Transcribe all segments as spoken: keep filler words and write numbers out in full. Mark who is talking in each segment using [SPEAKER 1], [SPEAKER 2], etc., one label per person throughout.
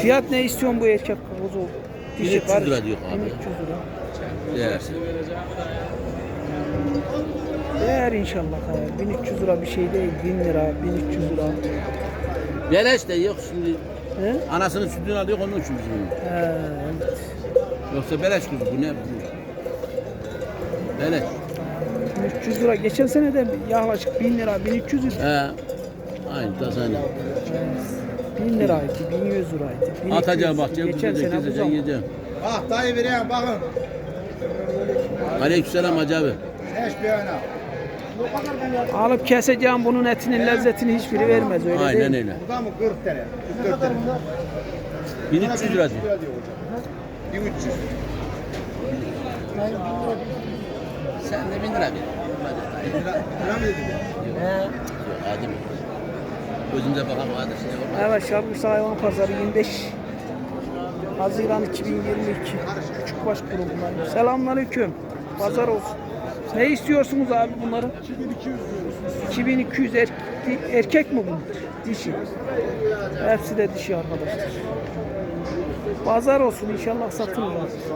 [SPEAKER 1] Fiyat ne istiyorsun bu erkek kuzu?
[SPEAKER 2] bin üç yüz lira diyor abi.
[SPEAKER 1] bin üç yüz lira.
[SPEAKER 2] Değersin.
[SPEAKER 1] Değer inşallah hayır. bin üç yüz lira bir şey değil. bin lira, bin üç yüz lira.
[SPEAKER 2] Beleş de yok şimdi.
[SPEAKER 1] He?
[SPEAKER 2] Anasının sütünü alıyor onun için bizim.
[SPEAKER 1] He, evet.
[SPEAKER 2] Yoksa beleş kuzu bu ne? Bu? Beleş.
[SPEAKER 1] bin üç yüz lira. Geçen sene de yaklaşık bin lira, bin üç yüz lira.
[SPEAKER 2] He. Aynı tasarım.
[SPEAKER 1] bin liraydı, bin yüz liraydı. bin iki yüz.
[SPEAKER 2] Atacağım bakacağım.
[SPEAKER 1] Geçen
[SPEAKER 2] Geçen
[SPEAKER 1] sene bu
[SPEAKER 2] sene
[SPEAKER 1] zaman.
[SPEAKER 2] yiyeceğim.
[SPEAKER 3] Bak dayı vereyim bakın.
[SPEAKER 2] Aleykümselam Hacı abi.
[SPEAKER 3] Eş bir ana.
[SPEAKER 1] Alıp keseceğim bunun etinin lezzetini hiçbiri vermez öyle
[SPEAKER 2] Aynen
[SPEAKER 1] değil mi?
[SPEAKER 2] öyle.
[SPEAKER 3] Bu da mı kırk lira? kırk lira.
[SPEAKER 2] bin üç yüz lira diyor.
[SPEAKER 3] bin üç yüz.
[SPEAKER 2] Sen de bin lira ver.
[SPEAKER 3] Lira mı dedin?
[SPEAKER 2] Yok hadi mi? Gözümüze bakalım hadi şimdi bakalım.
[SPEAKER 1] Evet, Şarkışla Hayvan Pazarı yirmi beş Haziran iki bin yirmi iki Küçükbaş grubundan. Selamünaleyküm. Pazar olsun. Ne istiyorsunuz abi bunları? iki bin iki yüz er, erkek mi bunlar? Dişi. Hepsi de dişi arkadaşlar. Pazar olsun inşallah satılır.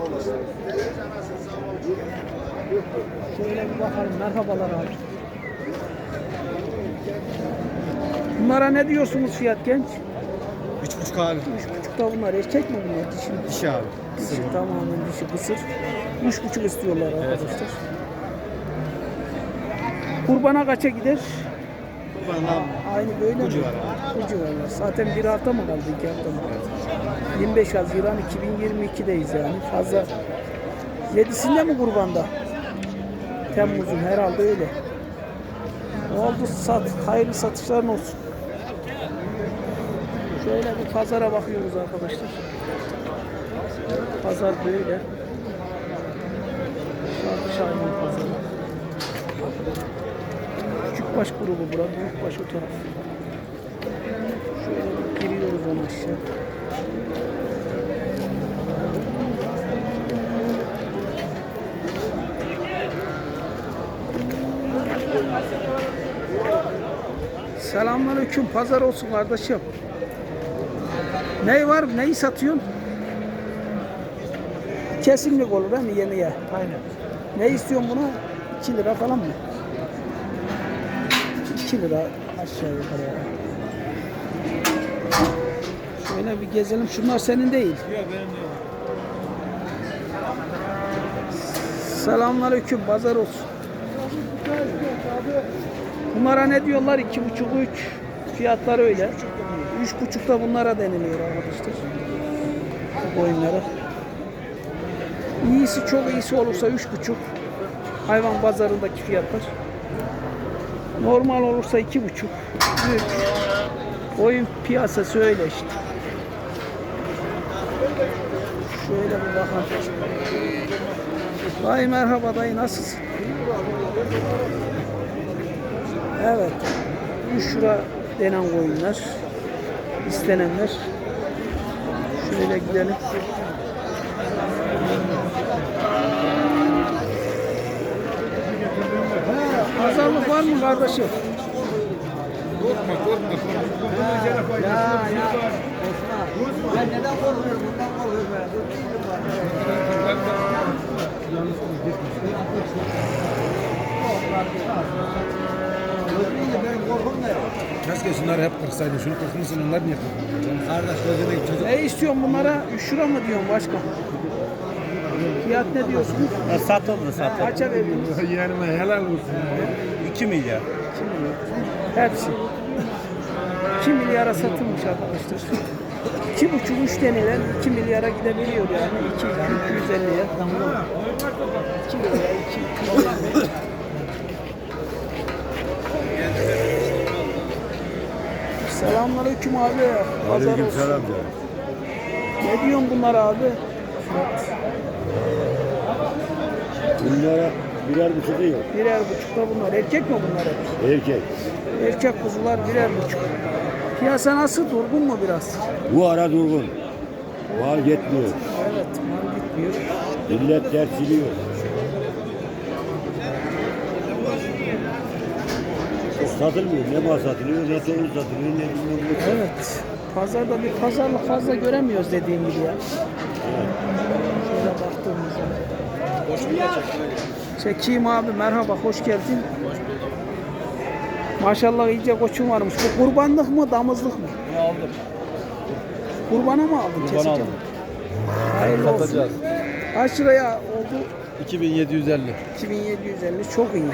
[SPEAKER 1] Şöyle bir bakalım. Merhabalar abi. Bunlara ne diyorsunuz fiyat genç?
[SPEAKER 3] Üç buçuk abi.
[SPEAKER 1] Üç buçukta bunlar erkek mi bunlar? Dişi mi?
[SPEAKER 3] Dişi abi.
[SPEAKER 1] Dişi tamamen dişi kısır. Üç buçuk istiyorlar arkadaşlar. Kurbana kaça gider?
[SPEAKER 3] Bana
[SPEAKER 1] Aynı böyle mi?
[SPEAKER 3] Bu civar abi.
[SPEAKER 1] Bu civarlar. Zaten bir hafta mı kaldı? İki hafta mı kaldı? yirmi beş Haziran iki bin yirmi iki'deyiz yani. Fazla. Yedisinde mi kurbanda? Temmuz'un herhalde öyle. Oldu sat. Hayırlı satışların olsun. Şöyle bir pazara bakıyoruz arkadaşlar. Pazar böyle. Şarkışahin pazarı. Küçükbaş grubu bura, büyükbaş o taraf. Şöyle bir giriyoruz ona aşağı. Selamünaleyküm, pazar olsun kardeşim. Ne var, neyi satıyorsun? Kesinlik olur değil mi yemeğe? Aynen. Ne istiyorsun buna? iki lira falan mı? iki lira aşağı yukarı. Şöyle bir gezelim. Şunlar senin değil.
[SPEAKER 3] Yok benim değil.
[SPEAKER 1] Selamünaleyküm, pazar olsun. Bunlara ne diyorlar? İki buçuk, üç. Fiyatlar öyle. Üç buçukta bunlara deniliyor arkadaşlar. Bu oyunlara. İyisi, çok iyisi olursa üç buçuk. Hayvan pazarındaki fiyatlar. Normal olursa iki buçuk. Üç. Oyun piyasası öyle işte. Şöyle bir bakalım. Dayı merhaba dayı, nasılsın? Evet. üç lira denen koyunlar. İstenenler. Şöyle gidelim. Pazarlık var mı kardeşim?
[SPEAKER 3] Korkma korkma korkma.
[SPEAKER 1] Ya ya.
[SPEAKER 4] Ben neden korkuyorum? Bundan korkuyorum ben. Benim korkum ne?
[SPEAKER 3] Keşke şunları hep kırsaydı. Şunu kırkmışsın onlar niye kırkmıyor? Kardeş gözüne çocuk.
[SPEAKER 1] Ne istiyorsun bunlara? üç lira mı diyorsun başka? Fiyat ne diyorsunuz?
[SPEAKER 3] Satıldı satıldı.
[SPEAKER 1] Kaça verdiniz?
[SPEAKER 3] Yanıma helal olsun. iki milyar.
[SPEAKER 1] iki milyar. Hepsi. iki milyara satılmış arkadaşlar. iki buçuk üç denilen iki milyara gidebiliyor yani. iki iki yüz elliye. iki milyar iki Selamünaleyküm abi. Pazar olsun.
[SPEAKER 3] Aleykümselam.
[SPEAKER 1] Ne diyorsun bunlar abi?
[SPEAKER 5] Bunlara birer buçuk yok.
[SPEAKER 1] Birer buçukta bunlar. Erkek mi bunlar hep?
[SPEAKER 5] Erkek.
[SPEAKER 1] Erkek kuzular birer buçuk. Piyasa nasıl? Durgun mu biraz?
[SPEAKER 5] Bu ara durgun. Mal yetmiyor.
[SPEAKER 1] Evet, mal gitmiyor.
[SPEAKER 5] Millet dersiliyor. Satılmıyor. Ne mal satılıyor, ne tohum satılıyor, ne bilmem ne.
[SPEAKER 1] Evet. Pazarda bir pazarlık fazla göremiyoruz dediğim gibi ya. Şöyle baktığımızda. Çekeyim abi, merhaba, hoş geldin. Maşallah iyice koçun varmış. Bu kurbanlık mı, damızlık mı?
[SPEAKER 3] Bunu aldım.
[SPEAKER 1] Kurbana mı aldın?
[SPEAKER 3] Kurban
[SPEAKER 1] Keseceğim.
[SPEAKER 3] aldım.
[SPEAKER 1] Hayırlı olsun.
[SPEAKER 3] Satacağız.
[SPEAKER 1] Kaç liraya oldu?
[SPEAKER 3] iki bin yedi yüz elli.
[SPEAKER 1] iki bin yedi yüz elli, çok iyi.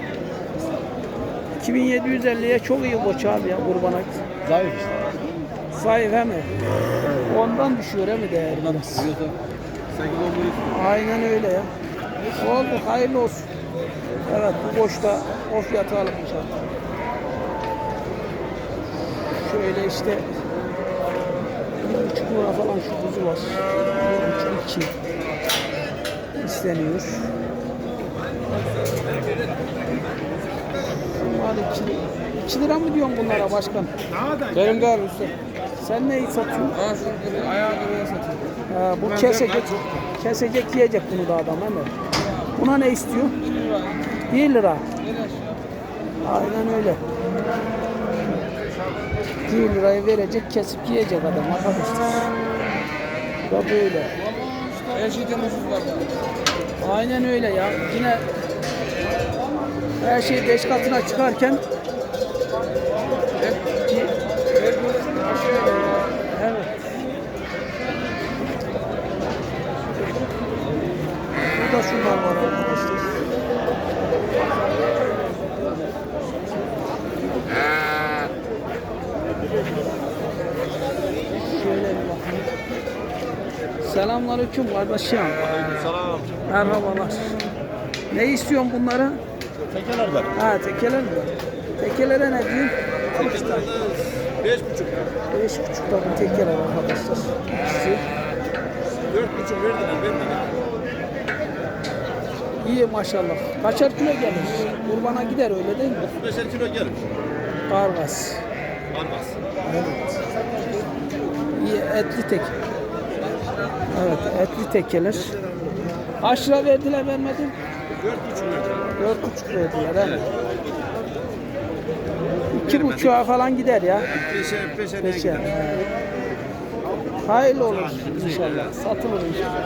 [SPEAKER 1] iki bin yedi yüz elliye çok iyi koç abi ya kurbana.
[SPEAKER 3] Zayıf işte.
[SPEAKER 1] Zayıf he mi? Ondan düşüyor he mi değerli?
[SPEAKER 3] Bundan sekiz on bir.
[SPEAKER 1] Aynen öyle ya. Oldu, hayırlı olsun. Evet, bu boşta o fiyatı alınmış abi. Şöyle işte bir buçuk lira falan şu kuzu var. Bir buçuk iki isteniyor. Bunlar iki, iki lira mı diyorsun bunlara başkan?
[SPEAKER 3] Benim de abi usta.
[SPEAKER 1] Sen neyi satıyorsun?
[SPEAKER 3] Ha şu ayağı kırıya satayım.
[SPEAKER 1] Ha, bu kesecek, kesecek yiyecek bunu da adam hemen. Buna ne istiyor? bir lira. Aynen öyle. bir lirayı verecek, kesip yiyecek adam arkadaşlar. Bu da böyle.
[SPEAKER 3] Her şeyden ucuz var.
[SPEAKER 1] Aynen öyle ya. Yine her şey beş katına çıkarken evet. Burada şunlar var arkadaşlar. Şöyle bir bakın. Selamünaleyküm kardeşim.
[SPEAKER 3] Selam.
[SPEAKER 1] Merhabalar. Ne istiyorsun bunlara?
[SPEAKER 3] Tekeler var.
[SPEAKER 1] Ha, tekeler mi? Tekelere ne diyeyim?
[SPEAKER 3] Beş buçuk.
[SPEAKER 1] Beş buçukta bir tekeler arkadaşlar. İkisi.
[SPEAKER 3] Dört buçuk verdiler. Verdiler.
[SPEAKER 1] İyi maşallah. Kaçar kilo gelir? Kurbana gider öyle değil mi?
[SPEAKER 3] Beşer kilo gelir.
[SPEAKER 1] Kargas.
[SPEAKER 3] Almaz.
[SPEAKER 1] Evet. İyi etli tek. Evet, etli tekeler. Kaç lira verdiler vermedin?
[SPEAKER 3] Dört buçuk verdiler.
[SPEAKER 1] Dört buçuk verdiler. He. İki buçuğa falan gider ya.
[SPEAKER 3] Beşer, beşer.
[SPEAKER 1] Beşer. Hayırlı olur inşallah. Satılır inşallah.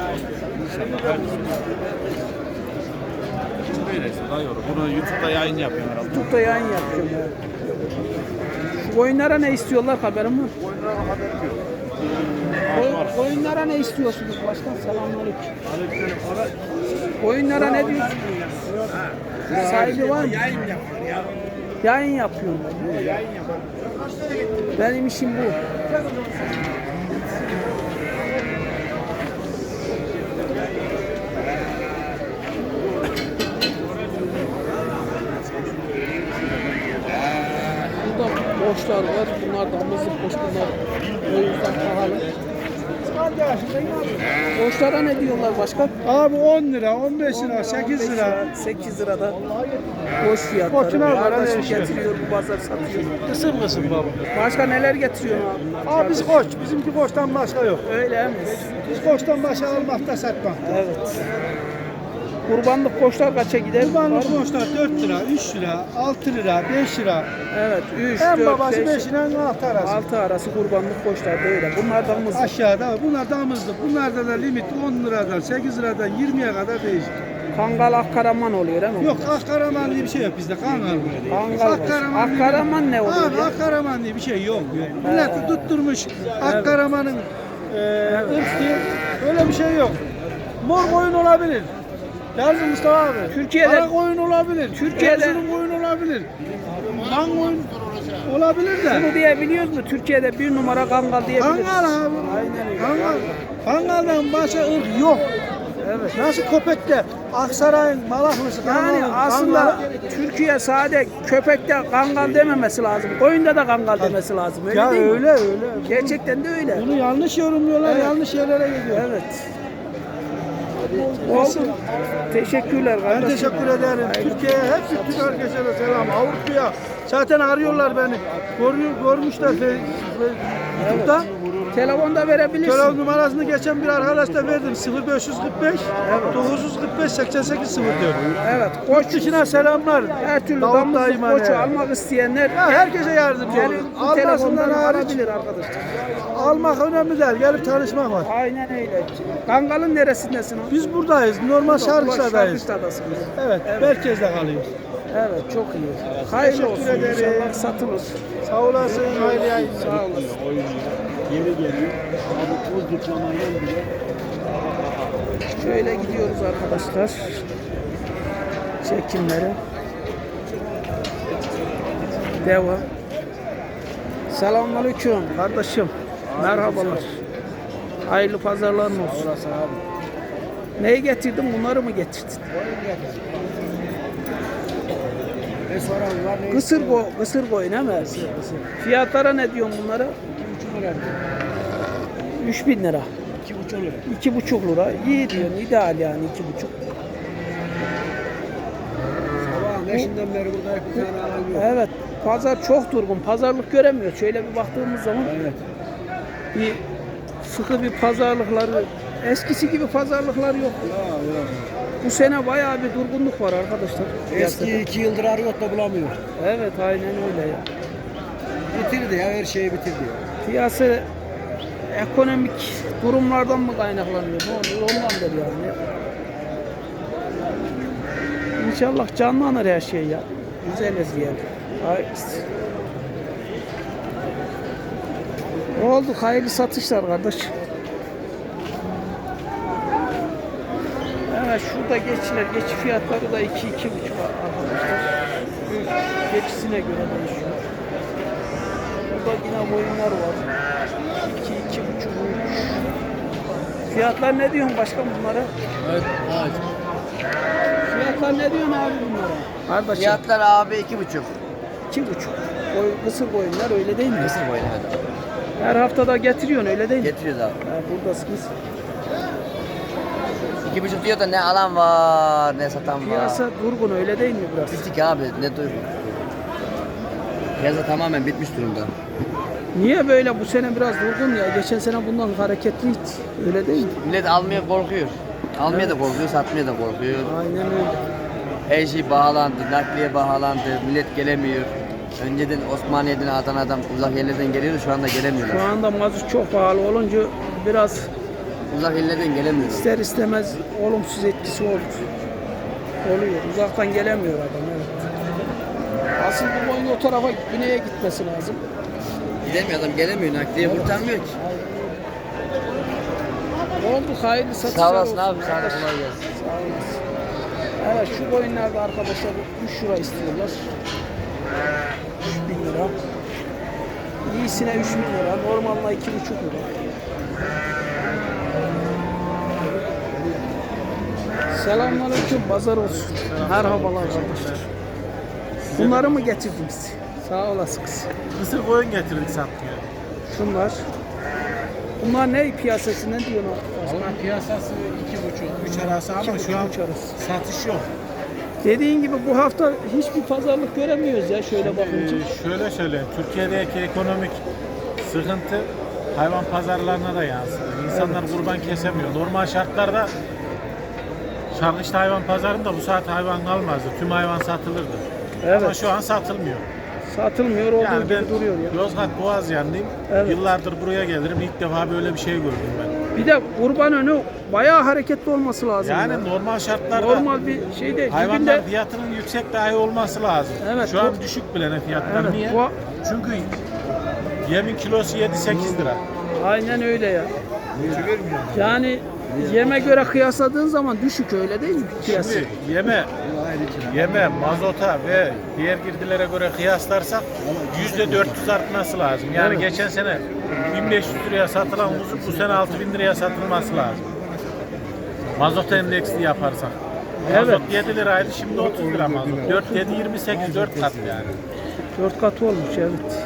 [SPEAKER 3] Böylesi daha iyi olur. Bunu YouTube'da yayın yapıyorum herhalde.
[SPEAKER 1] YouTube'da yayın yapıyorum ya. Şu koyunlara ne istiyorlar haberin var?
[SPEAKER 3] Oyunlara haber yok.
[SPEAKER 1] Koy- Koyunlara ne istiyorsunuz başkan? Selamünaleyküm. Koyunlara ne diyorsunuz? Sahibi var mı?
[SPEAKER 3] Yayın yapıyor ya.
[SPEAKER 1] Yayın yapıyorum ben.
[SPEAKER 3] Yayın yapar.
[SPEAKER 1] Benim işim bu. Burada boşlar var. Bunlar damızlık boş bunlar. O yüzden pahalı. Boşlara ne diyorlar başkan?
[SPEAKER 4] Abi on lira, on beş lira, sekiz lira.
[SPEAKER 1] sekiz lirada boş fiyatları.
[SPEAKER 4] Koçuna göre
[SPEAKER 1] Kardeşim
[SPEAKER 4] değişiyor.
[SPEAKER 1] getiriyor bu pazar satıyor.
[SPEAKER 4] Kısım kısım baba.
[SPEAKER 1] Başka neler getiriyor abi?
[SPEAKER 4] Abi biz koç, bizimki koçtan başka yok.
[SPEAKER 1] Öyle mi?
[SPEAKER 4] Biz koçtan başka almakta satmakta.
[SPEAKER 1] Evet. Kurbanlık koçlar kaça gider?
[SPEAKER 4] Kurbanlık
[SPEAKER 1] Var mı?
[SPEAKER 4] koçlar dört lira, üç lira, altı lira, beş lira.
[SPEAKER 1] Evet. üç,
[SPEAKER 4] En
[SPEAKER 1] dört,
[SPEAKER 4] babası
[SPEAKER 1] beş,
[SPEAKER 4] beş ile altı arası.
[SPEAKER 1] altı arası kurbanlık koçlar da öyle. Bunlar damızlık.
[SPEAKER 4] Aşağıda bunlar damızlık. Bunlarda da limit on liradan, sekiz liradan yirmiye kadar değişir.
[SPEAKER 1] Kangal Akkaraman oluyor değil mi?
[SPEAKER 4] Yok Akkaraman diye bir şey yok bizde. Kangal.
[SPEAKER 1] Kangal var. Akkaraman ne oluyor
[SPEAKER 4] Abi
[SPEAKER 1] ya?
[SPEAKER 4] Akkaraman diye bir şey yok. yok. Milleti tutturmuş Akkaraman'ın e, ırk diye. Öyle bir şey yok. Mor koyun olabilir. Yazın Mustafa abi.
[SPEAKER 1] Türkiye'de-
[SPEAKER 4] Kara koyun olabilir.
[SPEAKER 1] Türkiye'de-
[SPEAKER 4] Erzurum koyun olabilir. Van koyun olabilir de.
[SPEAKER 1] Bunu diyebiliyoruz mu? Türkiye'de bir numara Kangal diyebiliriz.
[SPEAKER 4] Kangal abi.
[SPEAKER 1] Aynen öyle.
[SPEAKER 4] Kangal. Kangal'dan başka ırk yok.
[SPEAKER 1] Evet.
[SPEAKER 4] Nasıl köpekte Aksaray'ın Malaklısı
[SPEAKER 1] Yani
[SPEAKER 4] Kangal'ın,
[SPEAKER 1] aslında
[SPEAKER 4] Kangal'ın-
[SPEAKER 1] Türkiye sade köpekte Kangal dememesi lazım. Koyunda da Kangal demesi lazım. Öyle
[SPEAKER 4] ya
[SPEAKER 1] değil mi?
[SPEAKER 4] öyle öyle.
[SPEAKER 1] Gerçekten de öyle.
[SPEAKER 4] Bunu yanlış yorumluyorlar,
[SPEAKER 1] Evet.
[SPEAKER 4] yanlış yerlere gidiyor.
[SPEAKER 1] Evet. Olsun. Teşekkürler
[SPEAKER 4] Ben
[SPEAKER 1] kardeşim.
[SPEAKER 4] teşekkür ederim. Türkiye'ye, hepsi Türk herkese de selam. Avrupa'ya zaten arıyorlar beni. Görüyor, görmüşler Fe- Fe- YouTube'da.
[SPEAKER 1] Telefonda verebilirsin.
[SPEAKER 4] Telefon numarasını geçen bir arkadaşla verdim. sıfır beş kırk beş dokuz yüz kırk beş seksen sekiz sıfır dört.
[SPEAKER 1] Evet.
[SPEAKER 4] Koç
[SPEAKER 1] Koç
[SPEAKER 4] dışına selamlar.
[SPEAKER 1] her türlü
[SPEAKER 4] Davut
[SPEAKER 1] damızlık
[SPEAKER 4] dayıma
[SPEAKER 1] koçu
[SPEAKER 4] ne?
[SPEAKER 1] almak isteyenler
[SPEAKER 4] Ya herkese yardımcı
[SPEAKER 1] gelip
[SPEAKER 4] olun.
[SPEAKER 1] bu
[SPEAKER 4] Almasından
[SPEAKER 1] telefondan
[SPEAKER 4] hariç
[SPEAKER 1] alabilir arkadaşlar.
[SPEAKER 4] almak önemli değil. Gelip tanışmak var.
[SPEAKER 1] Aynen öyle. Kangal'ın neresindesin abi?
[SPEAKER 4] Biz buradayız. Normal Şarkışla'dayız.
[SPEAKER 1] Şarkışla'dasınız.
[SPEAKER 4] Evet, merkezde kalıyoruz.
[SPEAKER 1] Evet, çok iyi. Hayırlı olsun.
[SPEAKER 4] Teşekkür ederim.
[SPEAKER 1] İnşallah satılır.
[SPEAKER 4] Sağ olasın. Hayırlı yayınlar.
[SPEAKER 1] Sağ olasın.
[SPEAKER 5] Yeni geliyor. Abi toz dutlamayla bile.
[SPEAKER 1] Şöyle gidiyoruz arkadaşlar. Çekimlere. Devam. Selamünaleyküm kardeşim. Merhabalar. Hayırlı pazarların olsun. Neyi getirdin? Bunları mı getirdin?
[SPEAKER 3] Ne sonra var ne?
[SPEAKER 1] Kısır boy, kısır boyun he mi? Fiyatlara ne diyorsun bunlara? üç bin lira.
[SPEAKER 3] iki buçuk lira.
[SPEAKER 1] iki buçuk lira. İyi diyorsun. İdeal yani iki buçuk.
[SPEAKER 3] Sabahın beşinden beri burada bir tane alan yok.
[SPEAKER 1] Evet. Pazar çok durgun. Pazarlık göremiyor. Şöyle bir baktığımız zaman
[SPEAKER 3] Evet.
[SPEAKER 1] bir sıkı bir pazarlıkları, eskisi gibi pazarlıklar yok.
[SPEAKER 3] Ya, ya.
[SPEAKER 1] Bu sene bayağı bir durgunluk var arkadaşlar.
[SPEAKER 3] Eski
[SPEAKER 1] piyasada.
[SPEAKER 3] iki yıldır arıyor da bulamıyor.
[SPEAKER 1] Evet, aynen öyle ya.
[SPEAKER 3] Bitirdi ya, her şeyi bitirdi ya.
[SPEAKER 1] Piyasa ekonomik durumlardan mı kaynaklanıyor? Ne oluyor? Ondandır yani. İnşallah canlanır her şey ya. Güzeliz yani. Hayırlısı. Ne oldu? Hayırlı satışlar kardeş. Evet, şurada geçiler. Geçi fiyatları da iki iki buçuk arkadaşlar. Geçisine göre değişiyor. Burada yine boyunlar var. iki iki buçuk. Fiyatlar ne diyorsun başkan bunlara?
[SPEAKER 2] Evet, evet.
[SPEAKER 1] Fiyatlar ne diyorsun abi bunlara? Kardeşim.
[SPEAKER 2] Fiyatlar abi iki buçuk.
[SPEAKER 1] iki buçuk. Boy, kısır boyunlar öyle değil mi?
[SPEAKER 2] Nasıl boyun evet.
[SPEAKER 1] Her haftada getiriyorsun öyle değil mi?
[SPEAKER 2] Getiriyoruz abi.
[SPEAKER 1] Ha, buradasınız.
[SPEAKER 2] İki buçuk diyor da ne alan var ne satan var.
[SPEAKER 1] Piyasa durgun öyle değil mi biraz?
[SPEAKER 2] Bittik abi ne duygu. Piyasa tamamen bitmiş durumda.
[SPEAKER 1] Niye böyle bu sene biraz durgun ya? Geçen sene bundan hareketliydi. Öyle değil mi?
[SPEAKER 2] Millet almaya korkuyor. Almaya da korkuyor, satmaya da korkuyor.
[SPEAKER 1] Aynen öyle.
[SPEAKER 2] Her şey pahalandı, nakliye pahalandı, millet gelemiyor. Önceden Osmaniye'den, Adana'dan, uzak yerlerden geliyordu, şu anda gelemiyorlar.
[SPEAKER 1] Şu anda mazot çok pahalı olunca biraz
[SPEAKER 2] Uzak yerlerden gelemiyorlar.
[SPEAKER 1] ister istemez olumsuz etkisi oldu. Oluyor. Uzaktan gelemiyor adam. Evet. Asıl bu boyun o tarafa güneye gitmesi lazım.
[SPEAKER 2] Gidemiyor adam, gelemiyor, nakliye kurtarmıyor ki.
[SPEAKER 1] Oldu, hayırlı satışlar
[SPEAKER 2] Sağ olasın
[SPEAKER 1] olsun
[SPEAKER 2] abi, sana da
[SPEAKER 1] arkadaşlar.
[SPEAKER 2] kolay gelsin.
[SPEAKER 1] Sağ olasın. Evet, şu boyunlarda arkadaşlar üç lira istiyorlar. üç bin lira. İyisine üç bin lira, normalde iki buçuk lira. Selamünaleyküm, pazar olsun. Merhabalar arkadaşlar. Bunları mı getirdiniz? Sağ olasınız.
[SPEAKER 6] Mısır koyun getirdik satmaya.
[SPEAKER 1] Şunlar. Bunlar ne piyasası, ne diyorsun?
[SPEAKER 6] Valla piyasası iki buçuk, üç arası ama
[SPEAKER 1] İki
[SPEAKER 6] şu an
[SPEAKER 1] buçuk, üç arası.
[SPEAKER 6] satış yok.
[SPEAKER 1] Dediğin gibi bu hafta hiçbir pazarlık göremiyoruz ya şöyle bakınca.
[SPEAKER 6] Ee, şöyle söyleyeyim, Türkiye'deki ekonomik sıkıntı hayvan pazarlarına da yansıdı. İnsanlar kurban kesemiyor. Normal şartlarda Şarkışla hayvan pazarında bu saat hayvan kalmazdı. Tüm hayvan satılırdı.
[SPEAKER 1] Evet.
[SPEAKER 6] Ama şu an satılmıyor.
[SPEAKER 1] Satılmıyor olduğu
[SPEAKER 6] Yani
[SPEAKER 1] gibi
[SPEAKER 6] ben
[SPEAKER 1] duruyor ya.
[SPEAKER 6] Yozgat Boğazyanlıyım.
[SPEAKER 1] Evet.
[SPEAKER 6] Yıllardır buraya gelirim. İlk defa böyle bir şey gördüm ben.
[SPEAKER 1] Bir de kurban önü bayağı hareketli olması lazım.
[SPEAKER 6] Yani
[SPEAKER 1] ya.
[SPEAKER 6] normal şartlarda
[SPEAKER 1] Normal bir şey değil.
[SPEAKER 6] hayvanlar
[SPEAKER 1] Dibinde-
[SPEAKER 6] fiyatının yüksek dahi olması lazım.
[SPEAKER 1] Evet,
[SPEAKER 6] Şu an
[SPEAKER 1] bu-
[SPEAKER 6] düşük bile ne fiyatlar.
[SPEAKER 1] Evet,
[SPEAKER 6] Niye?
[SPEAKER 1] bu-
[SPEAKER 6] Çünkü yemin kilosu yedi sekiz lira.
[SPEAKER 1] Aynen öyle ya. Yani yeme göre kıyasladığın zaman düşük, öyle değil mi piyasa?
[SPEAKER 6] Şimdi yeme, yeme, mazota ve diğer girdilere göre kıyaslarsak yüzde dört yüz artması lazım. Yani
[SPEAKER 1] Evet.
[SPEAKER 6] geçen sene bin beş yüz liraya satılan kuzu bu sene altı bin liraya satılması lazım. Mazot endeksli yaparsak. Mazot
[SPEAKER 1] Evet.
[SPEAKER 6] yedi liraydı, şimdi otuz lira mazot. dört yedi yirmi sekiz, dört kat yani.
[SPEAKER 1] Dört katı olmuş, evet.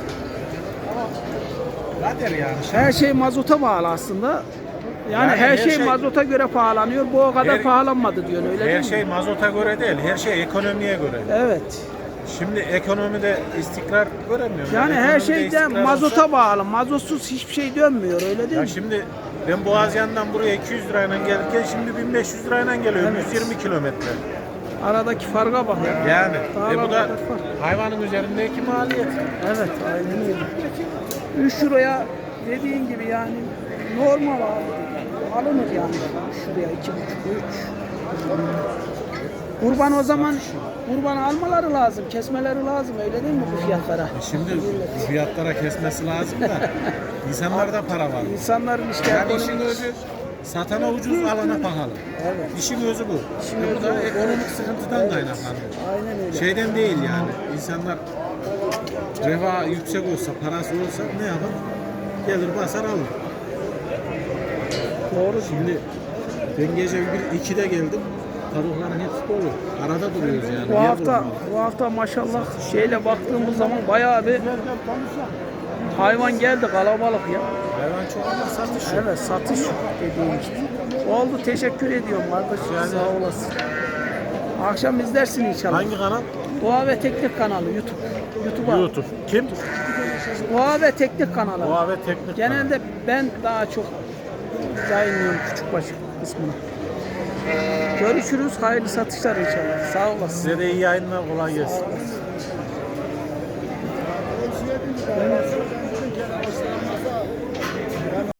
[SPEAKER 6] Kader yani.
[SPEAKER 1] Her şey mazota bağlı aslında. Yani,
[SPEAKER 6] Yani
[SPEAKER 1] her,
[SPEAKER 6] her
[SPEAKER 1] şey,
[SPEAKER 6] şey-
[SPEAKER 1] mazota göre pahalanıyor. Bu o kadar
[SPEAKER 6] Her-
[SPEAKER 1] pahalanmadı diyor, öyle
[SPEAKER 6] Her
[SPEAKER 1] değil
[SPEAKER 6] şey
[SPEAKER 1] mi?
[SPEAKER 6] mazota göre değil, her şey ekonomiye göre.
[SPEAKER 1] Evet.
[SPEAKER 6] Şimdi ekonomide istikrar göremiyorum.
[SPEAKER 1] Yani her
[SPEAKER 6] Ekonomide
[SPEAKER 1] şeyde
[SPEAKER 6] istikrar
[SPEAKER 1] mazota
[SPEAKER 6] olsa-
[SPEAKER 1] bağlı. Mazotsuz hiçbir şey dönmüyor öyle değil
[SPEAKER 6] Ya
[SPEAKER 1] mi?
[SPEAKER 6] şimdi ben Boğazyan'dan buraya iki yüz lirayla gelirken şimdi bin beş yüz lirayla geliyorum.
[SPEAKER 1] Evet.
[SPEAKER 6] yüz yirmi kilometre.
[SPEAKER 1] Aradaki farka bak ya.
[SPEAKER 6] Yani
[SPEAKER 1] Dağlar
[SPEAKER 6] e bu da
[SPEAKER 1] kadar fark.
[SPEAKER 6] hayvanın üzerindeki maliyet.
[SPEAKER 1] Evet aynen öyle. üç liraya dediğin gibi yani normal abi. Alınır yani şuraya iki buçuk üç. Kurban o zaman kurban almaları lazım, kesmeleri lazım öyle değil mi bu fiyatlara?
[SPEAKER 6] E şimdi bu fiyatlara kesmesi lazım da insanlarda para var.
[SPEAKER 1] İnsanların işte
[SPEAKER 6] Yani
[SPEAKER 1] ekonomik-
[SPEAKER 6] işin özü satana ucuz alana pahalı.
[SPEAKER 1] Evet.
[SPEAKER 6] İşin özü bu.
[SPEAKER 1] İşin
[SPEAKER 6] E bu
[SPEAKER 1] özü
[SPEAKER 6] da
[SPEAKER 1] o.
[SPEAKER 6] ekonomik sıkıntıdan
[SPEAKER 1] Evet.
[SPEAKER 6] kaynaklanıyor.
[SPEAKER 1] Aynen öyle.
[SPEAKER 6] Şeyden değil yani. İnsanlar refah yüksek olsa, parası olsa ne yapar? Gelir basar alır.
[SPEAKER 1] Doğru.
[SPEAKER 6] Şimdi ben gece bir ikide geldim. Tavukların hepsi dolu. Arada duruyoruz yani.
[SPEAKER 1] Bu
[SPEAKER 6] Niye
[SPEAKER 1] hafta
[SPEAKER 6] durmuyoruz?
[SPEAKER 1] bu hafta maşallah şeyle baktığımız zaman bayağı bir hayvan geldi kalabalık ya.
[SPEAKER 6] Hayvan çok ama satış yok.
[SPEAKER 1] Evet satış dediğim gibi. Oldu teşekkür ediyorum kardeşim
[SPEAKER 6] Yani-
[SPEAKER 1] sağ olasın. Akşam izlersin inşallah.
[SPEAKER 6] Hangi kanal?
[SPEAKER 1] Doğa ve Teknik kanalı YouTube. YouTube'a.
[SPEAKER 6] YouTube. Kim?
[SPEAKER 1] Doğa ve Teknik kanalı.
[SPEAKER 6] Doğa ve Teknik
[SPEAKER 1] Genelde ben daha çok yayınlıyorum Küçükbaş kısmını. Görüşürüz. Hayırlı satışlar inşallah. Sağ olasın.
[SPEAKER 6] Size de iyi yayınlar, kolay gelsin.
[SPEAKER 1] Ben